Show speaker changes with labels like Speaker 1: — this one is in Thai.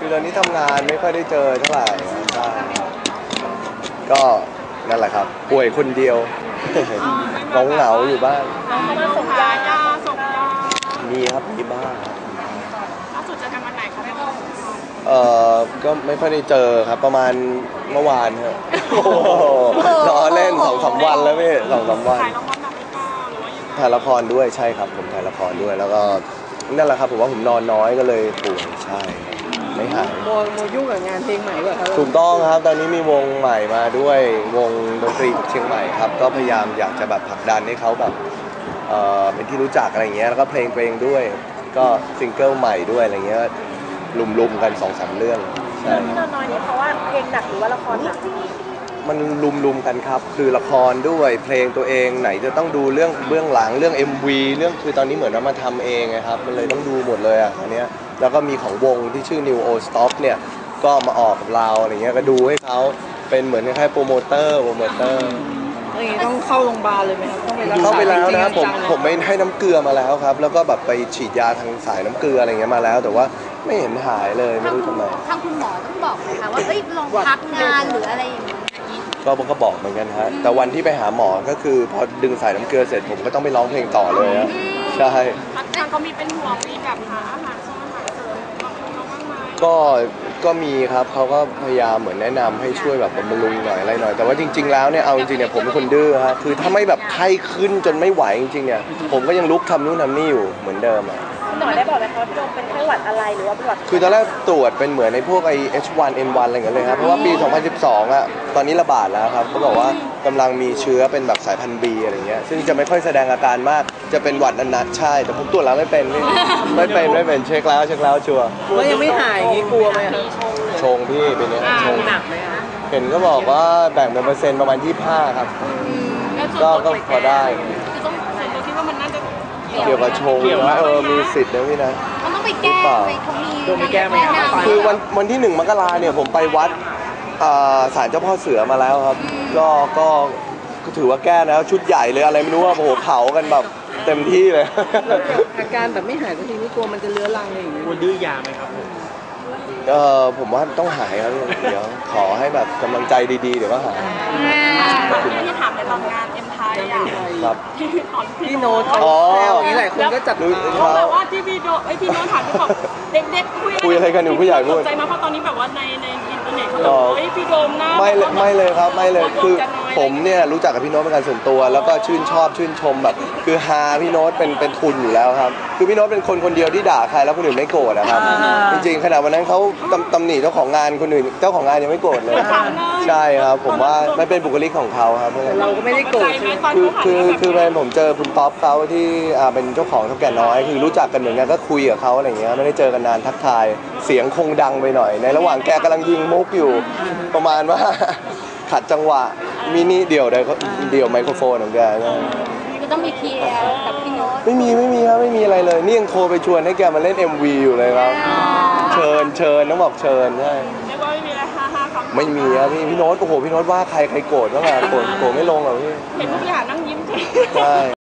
Speaker 1: คือตอนนี้ทำงานไม่ค่อยได้เจอเท่าไหร่ใช่ก็นั่นแหละครับป่วยคนเดียวเหงาอยู่บ้าน
Speaker 2: มาส่งยาส่งยา
Speaker 1: มีครับมีบ้าง
Speaker 2: ล่าสุดจะทำวันไหนคะแม่
Speaker 1: ก็ไม่ค่อยได้เจอครับประมาณเมื่อวานครับล้อเล่น2-3 วันแล้วพี่2-3 วัน
Speaker 2: ถ่ายละครหนักหรือเปล่าหรือว่ายังไง
Speaker 1: ถ่ายละครด้วยใช่ครับผมถ่ายละครด้วยแล้วก็นั่นแหละครับผมว่าผมนอนน้อยก็เลยป่วยใช่ไม่หาย
Speaker 3: โมยุ่งกับงานเพลงใหม่ป่ะครับ
Speaker 1: ถูกต้องครับตอนนี้มีวงใหม่มาด้วยวงดนตรีเชียงใหม่ครับก็พยายามอยากจะแบบผลักดันให้เขาแบบเป็นที่รู้จักอะไรเงี้ยแล้วก็เพลงด้วยก็ซิงเกิลใหม่ด้วยอะไรเงี้ยลุมกัน2-3 เรื่องใช่
Speaker 2: ที่นอนน้อยนี่เพราะว่าเพลงหนักหรือว่าละครหนัก
Speaker 1: มันลุมกันครับคือละครด้วยเพลงตัวเองไหนจะต้องดูเรื่องเบื้องหลังเรื่อง MV เรื่องคือตอนนี้เหมือนว่ามาทำเองนะครับมันเลยต้องดูหมดเลยอ่ะอันเนี้ยแล้วก็มีของวงที่ชื่อ New Old Stop เนี่ยก็มาออกกับเราอะไรเงี้ยก็ดูให้เขาเป็นเหมือนคล้ายๆโปรโมเตอร์
Speaker 3: อย่างนี้ต้องเข้าโรงพยาบาลเลยไหมครับต้องไปรักษา
Speaker 1: เข้าไปแล้วนะครับผมไม่ให้น้ำเกลือมาแล้วครับแล้วก็แบบไปฉีดยาทางสายน้ำเกลืออะไรเงี้ยมาแล้วแต่ว่าไม่เห็นหายเลยไม่รู้ทำไม
Speaker 4: ทางคุณหมอต้องบอกนะคะว่าลองพักงานหรืออะไรอย่างนี้
Speaker 1: ก็บอกเหมือนกันฮะแต่วันที่ไปหาหมอก็คือพอดึงสายน้ำเกลือเสร็จผมก็ต้องไปร้องเพลงต่อเลยนะใช่
Speaker 2: ทางเขามีเป็นห่วงมีแบบหาอาหารเสริมบางคนเขาบ้างไหม
Speaker 1: ก็มีครับเขาก็พยายามเหมือนแนะนำให้ช่วยแบบบำรุงหน่อยอะไรหน่อยแต่ว่าจริงๆแล้วเนี่ยเอาจริงๆเนี่ยผมเป็นคนดื้อฮะคือถ้าไม่แบบไข้ขึ้นจนไม่ไหวจริงๆเนี่ยผมก็ยังลุกทำนู่นทำนี่อยู่เหมือนเดิมอ่ะ
Speaker 2: คุณหมอได้บอกไหมคะว่าพี่โดมเป็นไข้หวัดอะไรหรือว่าเป็นหวัด
Speaker 1: คือตอนแรกตรวจเป็นเหมือนในพวกไอ H1N1 อะไรอย่างเงี้ยเลยครับเพราะว่าปี 2012 อ่ะตอนนี้ระบาดแล้วครับเขาบอกว่ากำลังมีเชื้อเป็นแบบสายพันธุ์ B อะไรเงี้ยซึ่งจะไม่ค่อยแสดงอาการมากจะเป็นหวัดนัดๆใช่แต่ผมตรวจแล้วไม่เป็นไม่เป็นเช็คแล้วชัวร์
Speaker 3: แล้วยังไม่หายอย่างนี้กลัวไหมครับ
Speaker 1: ชงพี่เป็นเนี่ยชง
Speaker 3: หนักไหมครับ
Speaker 1: เห็นก็บอกว่าแบ่งเป็นเปอร์เซ็นต์ประมาณ 25 ครับก็พอได้
Speaker 2: เราคิดว่ามันน่าจะ
Speaker 1: เกี่ยวกับชงนะมีสิทธิ์นะพี่นะ
Speaker 4: มันต้องไปแก้ไหมเขามี
Speaker 3: แก้ไหม
Speaker 1: คือวันที่1 มกราเนี่ยผมไปวัดศาลเจ้าพ่อเสือมาแล้วครับก็ถือว่าแก้แล้วชุดใหญ่เลยอะไรไม่รู้ว่าโอ้โหเผากันแบบเต็มที่เลย
Speaker 3: อาการแบบไม่หายสักทีนี่กลัวมันจะเลื้อรังอะไรอย่างเงี้ย
Speaker 5: ดื้อยาไหมครับ
Speaker 1: ผมว่าต้องหายครับเดี๋ยวขอให้แบบกำลังใจดีๆเดี๋ยวก็หาย
Speaker 2: ที่ถามในตอนงานเอ็มไทยอ่ะ
Speaker 1: ครับ
Speaker 3: พี่โน้ตเขาแซวอย่างนี้หลายคนก็จับ
Speaker 2: เขาแบบว่าที่พี่โน้ตถามที่บอกเด็ก
Speaker 1: คุยอะไรกันอยู่ผู้ใหญ่พูด
Speaker 2: ใจมาเพราะตอนนี้แบบว่าในอินเทอร์เน็ตเขาบอกเฮ้ยพี่โดมนะ
Speaker 1: ไม่เลยครับไม่เลยคือผมเนี่ยรู้จักกับพี่โน้ตเป็นการส่วนตัวแล้วก็ชื่นชมแบบคือฮาพี่โน้ตเป็นทุนอยู่แล้วครับคือพี่โน้ตเป็นคนเดียวที่ด่าใครแล้วคนอื่นไม่โกรธนะครับจริงๆขณะวันนั้นเขาตำหนิเจ้าของงานคนอื่นเจ้าของงานยังไม่โกรธเลยใช่ครับผมว่ามันเป็นบุคลิกของเขาครับ
Speaker 3: เราก็ไม่ได้โกรธ
Speaker 1: คือแฟนผมเจอคุณท็อปเขาที่เป็นเจ้าของเท่าแก่น้อยคือรู้จักกันเหมือนกันก็คุยกับเขาอะไรอย่างเงี้ยไม่ได้เจอกันนานทักทายเสียงคงดังไปหน่อยในระหว่างแกกำลังยิงมุกอยู่ประมาณว่าขัดจังหวะมินิเดี่ยวไมโครโฟนของแก
Speaker 4: ก็ต้องมีเคลียร์กับพี่โน้ต
Speaker 1: ไม่มีครับไม่มีอะไรเลยนี่ยังโทรไปชวนให้แกมาเล่น MV อยู่เลยครับเชิญต้องบอกเชิญใช่
Speaker 2: ไม่ว่าไม่มีอะไรฮ่าครับ
Speaker 1: ไม่มีครับพี่โน้ตโอ้โหพี่โน้ตว่าใครโกรธบ้างอะโกรธไม่ลงหรอกพี่
Speaker 2: เห็นผู้บริหารนั่งยิ้ม
Speaker 1: ใช่